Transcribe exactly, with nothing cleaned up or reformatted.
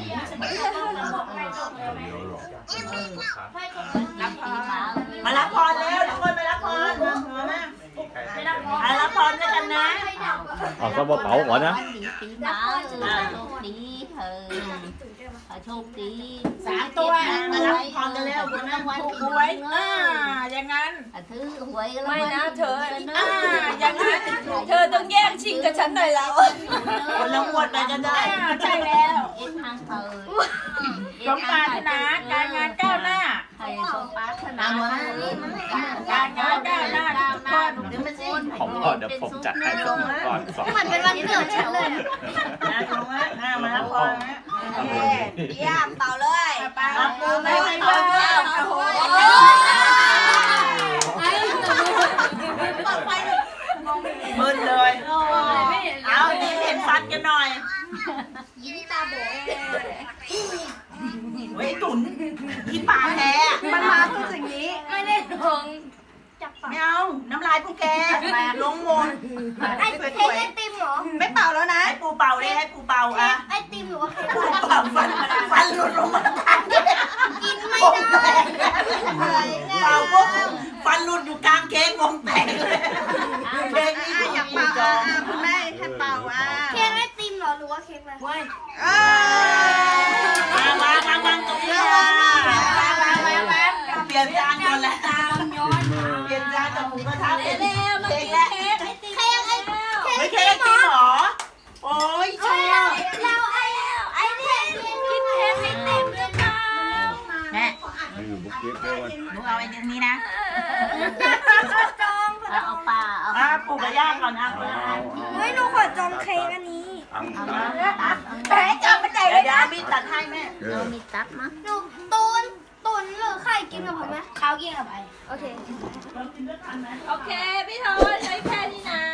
มารับพรแล้วทุกคนมารับพรมารับพรด้วยกันนะเอาก็มาเป๋าก่อนนะปีหมาโชคดีเธอโชคดีสามตัวมารับพรกันแล้วคุณแม่ถูกหวยอ่าอย่างนั้นถือหวยไม่นะเธออ่าอย่างนั้นเธอต้องแย่งชิงกับฉันหน่อยแล้วคนละงวดไปกันได้ใช่แล้วเอ็นทางเธอสมปรารถนาการงานก้าวหน้าให้สมปรารถนาการงานก้าวหน้าทุกคนผมก่อนเดี๋ยวผมจัดให้สักหนึ่งก่อนสองเหมือนเป็นวันเกิดฉันเลยนะตรงนั้นมารับพรนะเยี่ยมเป่าเลยรับปูไม่ให้เลิกโอ้โหมึนเลย เอาดีเห็นฟันกันหน่อยยิ้มตาโบเฮ้ยตุ๋นกินปลาแท้มันมาเพื่อสิ่งนี้ไม่ได้ลงไม่เอาน้ำลายพวกแกลงหมดไอสวยเค้กไอติมเหรอไม่เป่าแล้วนะให้ปูเป่าเลยให้ปูเป่าอ่ะไอติมหรือว่าเค้กปูเป่าฟันฟันหลุดลงมาทางเกินไม่ได้ป่าปุ๊บฟันหลุดอยู่กลางเค้กวงแตกเลยเค้กนี่อยากเป่าอ่ะคุณแม่ให้เป่าอ่ะเค้กไอติมเหรอหรือว่าเค้กอะไรเอ้มามามามาตรงนี้มามามามามาเปลี่ยนจานก่อนแหละเปลี่ยนจานจากหมูกระทะเป็นเค้กแล้วเค้กไอเค้กไม่ไอเค้กติจริมงเหรอเหรอโอ้ยชอบเราไอไอเนี่ยกินเค้กไอติมเลยนะแม่อยู่บุกเก็ตด้วยวันหนูเอาไอ้ตรงนี้นะจองเอาปลาเอาอ่ะปลูกกระย่างก่อนอ่ะเฮ้ยหนูขอจองเค้กอันนี้อังแต่ให้จำมันใจเดี๋เลยวยนะมีตัดให้แม่เอเราอมีตับมั้ยหนูตูนตุนหรือไข่กินกับผมไหมข้าวกินกับไอโอเคโอเคพี่ทอใช้แค่นี้นะ